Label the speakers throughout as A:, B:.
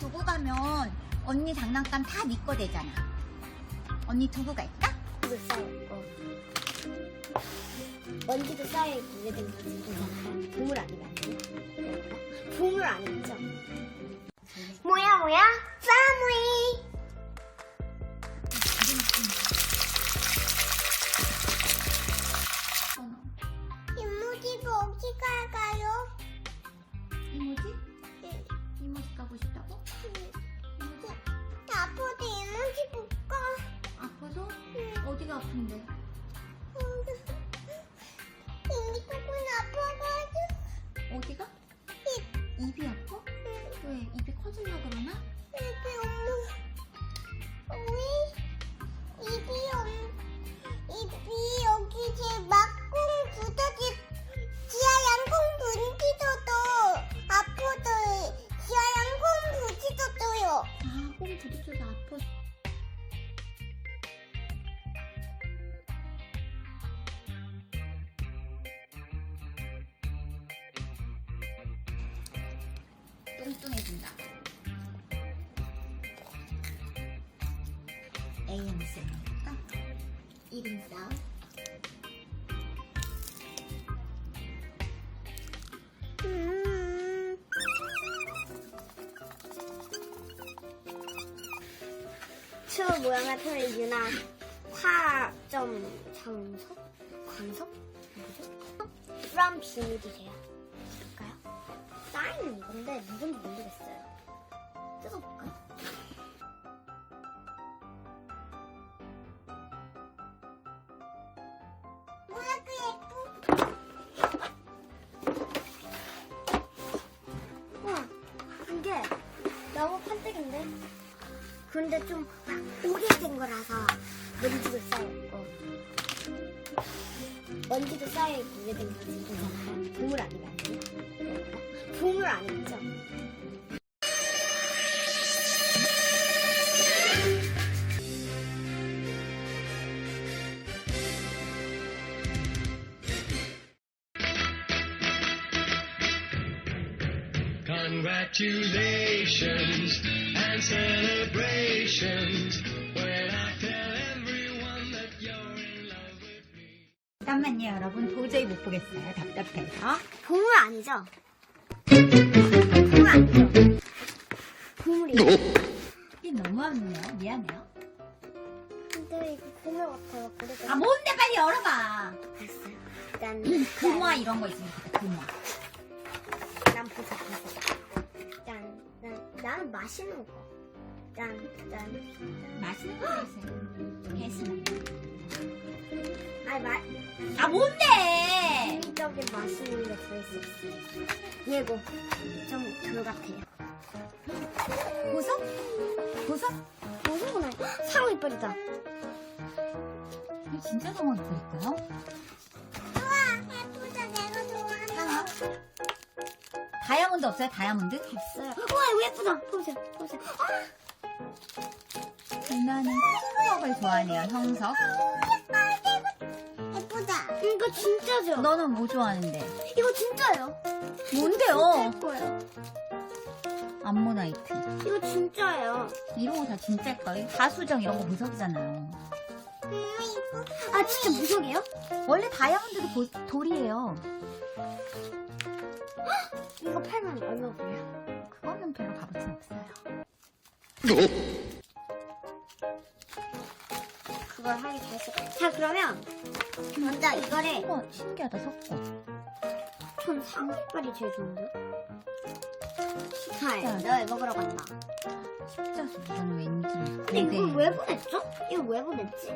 A: 두고 가면 언니 장난감 다 네 거 되잖아. 언니 두고 갈까?
B: 먼지도 쌓여있고 먼지도 쌓여있고 이래 된 거지. 괜찮아요? 보물 아니면 안 돼요? 보물 아니죠? 뭐야 패밀리. 이모집 어디 갈까요?
A: 이모지?
B: 네.
A: 이모지 가고 싶다고? 이모지?
B: 아파도 이모집 못 가.
A: 아파서? 어디가 아픈데?
B: 이미 조금 아파가지고.
A: 어디가? 입이 아파? 왜? 입이 커질라 그러나?
B: 입이 입이 여기 제 막공 부서지 지하 양공 분지도도 아파도 지하 양공 부지도도요.
A: 아, 몸 부딪혀서 아파. 뚱뚱해진다. AMC 해볼까? 1인 싸움.
B: 초 모양의 표현 유나 화점 장석? 관석? 뭐죠? from 비밀이래요. 볼까요? 사인은 이건데 누군지 모르겠어요. 뜯어볼까? 뭐야 그 예쁘? 우와 이게 너무 판때기인데? 그런데 좀 오래된 거라서 먼지도 쌓여있고 먼지도 쌓여있고 이래 된 거지. 괜찮아요? 보물 아니면 안 돼요? 보물 아니죠?
C: Congratulations and celebrations when I tell everyone that you're in love with me.
A: 잠깐만요, 여러분. 도저히 못 보겠어요. 답답해서.
B: 보물 아니죠? 보물 아니죠? 보물이에요.
A: 이게 너무하네요. 미안해요.
B: 근데 이거 보물 같아요. 그래서
A: 아, 뭔데 빨리 열어봐.
B: 봤어요. 일단
A: 금화 이런 거 있으면 좋겠다. 금화.
B: 난 보자. 나는 맛있는 거. 짠.
A: 맛있는 거 있어요. 배스나.
B: 아니
A: 아, 뭔데?
B: 인위적인 맛있는 게 들어있을 수 있어. 얘고 좀 그거 같아요.
A: 보석? 보석?
B: 무서구나. 상어 이빨이다.
A: 이거 진짜 상어 이빨일까요?
B: 우와 예쁘다. 내가 좋아하는
A: 상어? 다이아몬드 없어요? 다이아몬드?
B: 없어요. 우와 이거 예쁘다. 보세요.
A: 누나는 형석을 좋아하네요. 형석.
B: 예쁘다. 이거 진짜죠?
A: 너는 뭐 좋아하는데?
B: 이거 진짜예요.
A: 뭔데요?
B: 예뻐요.
A: 암모나이트.
B: 이거 진짜예요.
A: 이런 거 다 진짜일까요? 가수정 이런 거 보석이잖아요.
B: 아 진짜 무적이에요?
A: 원래 다이아몬드도 돌이에요.
B: 이거 팔면 얼마 벌어요?
A: 그거는 별로 값어치 없어요.
B: 그걸 하기 다시. 자 그러면 먼저 이거를
A: 신기하다, 석고.
B: 전 상어 이빨이 제일 좋은데.
A: 자,
B: 자, 너 먹으러 간다.
A: 십자수 이건 왠지.
B: 근데 이걸 왜 보냈죠? 이거 왜 보냈지?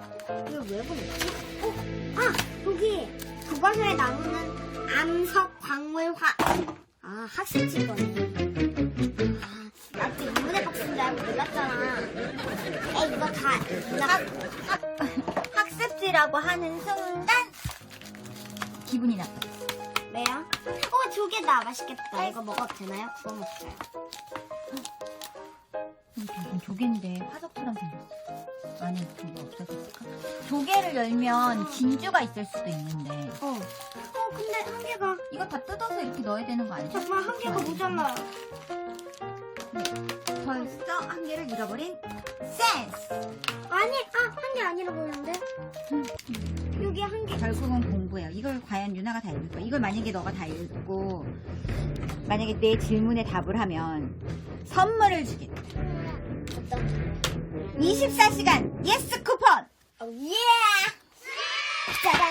B: 아 여기 교과서에 나오는 암석 광물화. 아 학습지거네. 아 나도 인문의 박스인 줄 알고 몰랐잖아. 에이 이거 다
A: 학습지라고 하는 순간 기분이 나빠.
B: 왜요? 조개다 맛있겠다. 이거 먹어도 되나요? 구워 먹어요.
A: 이건 조개인데 화석처럼 생겼어. 안에 그거 없어졌을까? 조개를 열면 진주가 있을 수도 있는데.
B: 근데 한 개가
A: 이거 다 뜯어서 이렇게 넣어야 되는 거 아니죠?
B: 정말 한 개가 모자라요.
A: 네. 벌써 한 개를 잃어버린 센스.
B: 아니, 한 개 아니라 보이는데? 여기 한 개.
A: 결국은 공부예요. 이걸 과연 유나가 다 읽을 거야. 이걸 만약에 너가 다 읽고 만약에 내 질문에 답을 하면 선물을 주겠다.
B: 어떤?
A: 24시간 예스 쿠폰.
B: 예! 짜잔!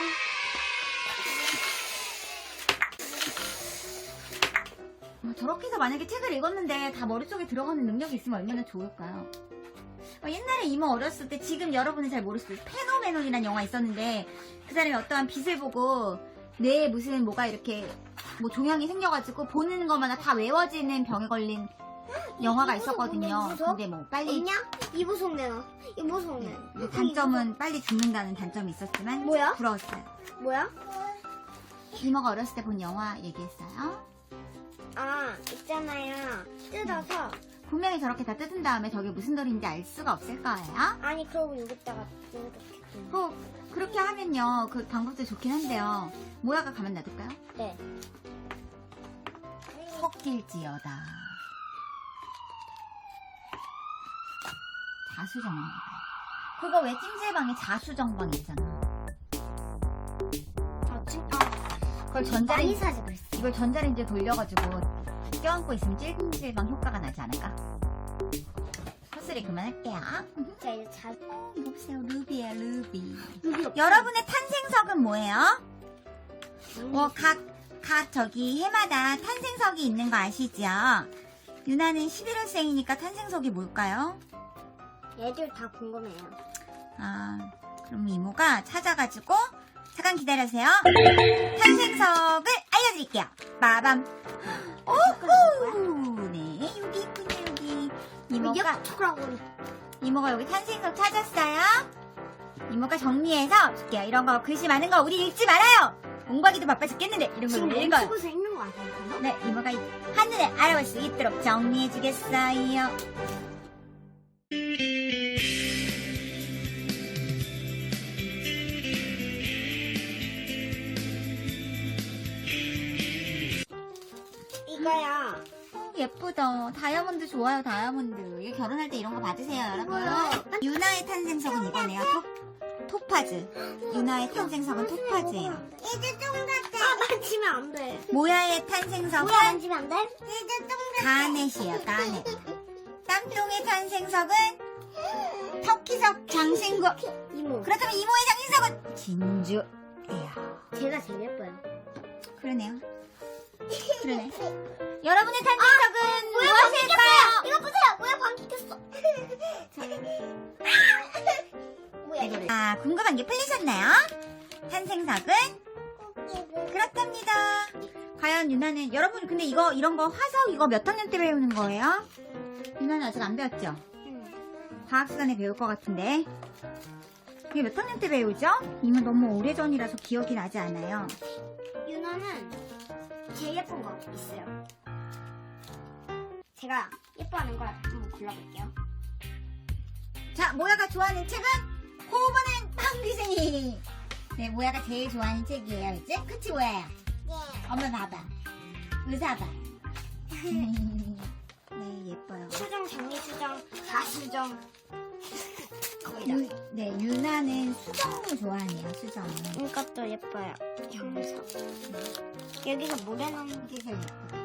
A: 저렇게 해서 만약에 책을 읽었는데 다 머릿속에 들어가는 능력이 있으면 얼마나 좋을까요? 옛날에 이모 어렸을 때, 지금 여러분은 잘 모르실 거예요. 페노메논이라는 영화 있었는데 그 사람이 어떠한 빛을 보고 뇌에 무슨 뭐가 이렇게 뭐 종양이 생겨가지고 보는 것마다 다 외워지는 병에 걸린 영화가 있었거든요.
B: 무서워?
A: 근데 뭐 빨리
B: 있냐? 이부 속내 나. 이부 속내.
A: 단점은 빨리 죽는다는 단점이 있었지만
B: 뭐야?
A: 부러웠어요.
B: 뭐야?
A: 이모가 어렸을 때 본 영화 얘기했어요.
B: 있잖아요. 뜯어서.
A: 분명히 저렇게 다 뜯은 다음에 저게 무슨 돌인지 알 수가 없을 거예요.
B: 아니, 그러고 여기다가 이렇게.
A: 그렇게 하면요, 그 방법도 좋긴 한데요. 모야가 가만 놔둘까요?
B: 네.
A: 섞일지어다. 자수정방. 그거 왜 찜질방에 자수정방 있잖아. 그걸
B: 많이
A: 전자레인지,
B: 사지 그랬어.
A: 이걸 전자레인지에 돌려가지고 껴안고 있으면 찜질방 효과가 나지 않을까? 헛소리 그만할게요.
B: 자, 이제
A: 이거 보세요. 루비야, 루비.
B: 루비 없어.
A: 여러분의 탄생석은 뭐예요? 각 저기 해마다 탄생석이 있는 거 아시죠? 유나는 11월생이니까 탄생석이 뭘까요?
B: 얘들 다 궁금해요.
A: 그럼 이모가 찾아가지고 잠깐 기다려주세요. 탄생석을 알려드릴게요. 빠밤. 오호. 네, 여기 있군요, 여기. 이모가 여기 탄생석 찾았어요. 이모가 정리해서 줄게요. 이런 거 글씨 많은 거 우리 읽지 말아요. 공부하기도 바빠 죽겠는데 이런 거
B: 지금
A: 읽는 거.
B: 멈추고서 읽는 거 아니에요?
A: 네, 이모가 한눈에 알아볼 수 있도록 정리해주겠어요.
B: 이거야.
A: 예쁘다. 다이아몬드 좋아요, 다이아몬드. 이거 결혼할 때 이런 거 받으세요, 여러분. 유나의 탄생석은 이거네요. 토파즈. 유나의 탄생석은 토파즈예요.
B: 이제 좀 같아. 만지면 안 돼.
A: 모야의 탄생석은
B: 뭐야, 만지면 안 돼? 이제 좀 같아.
A: 가넷이에요, 가넷. 땀똥의 탄생석은 터키석 장신구.
B: 이모.
A: 그렇다면 이모의 장신석은 진주예요.
B: 제가 제일 예뻐요.
A: 그러네요. 그러네. 여러분의 탄생석은 무엇일까요?
B: 이거 보세요. 뭐야, 방귀 꼈어. 뭐야,
A: 궁금한 게 풀리셨나요? 탄생석은 그렇답니다. 과연 유나는, 여러분 근데 이런 거 화석 이거 몇 학년 때 배우는 거예요? 유나는 아직 안 배웠죠? 과학 시간에 배울 것 같은데. 이게 몇 학년 때 배우죠? 이미 너무 오래전이라서 기억이 나지 않아요.
B: 유나는 제일 예쁜 거 있어요. 제가 예뻐하는 걸 한번 골라볼게요.
A: 자, 모야가 좋아하는 책은 호보는 방귀쟁이. 네, 모야가 제일 좋아하는 책이에요, 이제. 그치, 모야야?
B: 네.
A: 엄마 봐봐. 의사 봐. 네, 예뻐요.
B: 수정, 장미수정, 자수정. 거의 다.
A: 네, 유나는 수정을 좋아하네요, 수정을.
B: 이것도 예뻐요. 경석. 여기서 모래 넣는
A: 이게 제일 예쁘다.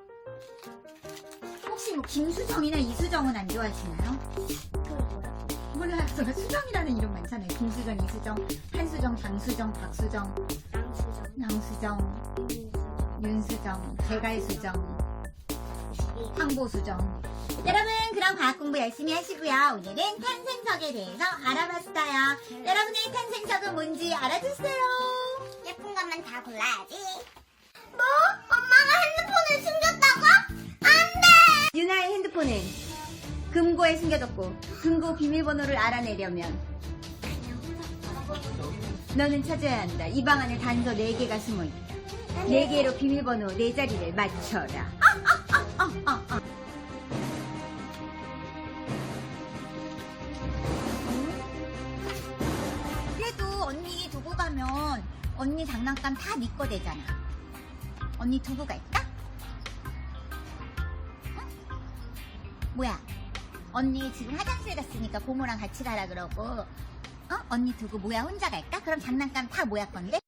A: 혹시 뭐 김수정이나 이수정은 안 좋아하시나요?
B: 그거 뭐야?
A: 몰라요. 제가 수정이라는 이름 많잖아요. 김수정, 이수정, 한수정, 장수정, 박수정,
B: 양수정.
A: 양수정, 윤수정, 개갈수정, 황보수정. 여러분, 그럼 과학 공부 열심히 하시고요. 오늘은 탄생석에 대해서 알아봤어요. 여러분의 탄생석은 뭔지 알아주세요.
B: 예쁜 것만 다 골라야지. 뭐? 엄마가 핸드폰을 숨겼다고? 안 돼!
A: 유나의 핸드폰은 금고에 숨겨뒀고 금고 비밀번호를 알아내려면 너는 찾아야 한다. 이 방 안에 단서 4개가 숨어있다. 4개로 비밀번호 4자리를 맞춰라. 그래도 언니 두고 가면 언니 장난감 다 네 거 되잖아. 언니 두고 갈까? 응? 뭐야? 언니 지금 화장실 갔으니까 고모랑 같이 가라 그러고 언니 두고 모야 혼자 갈까? 그럼 장난감 다 모야 건데?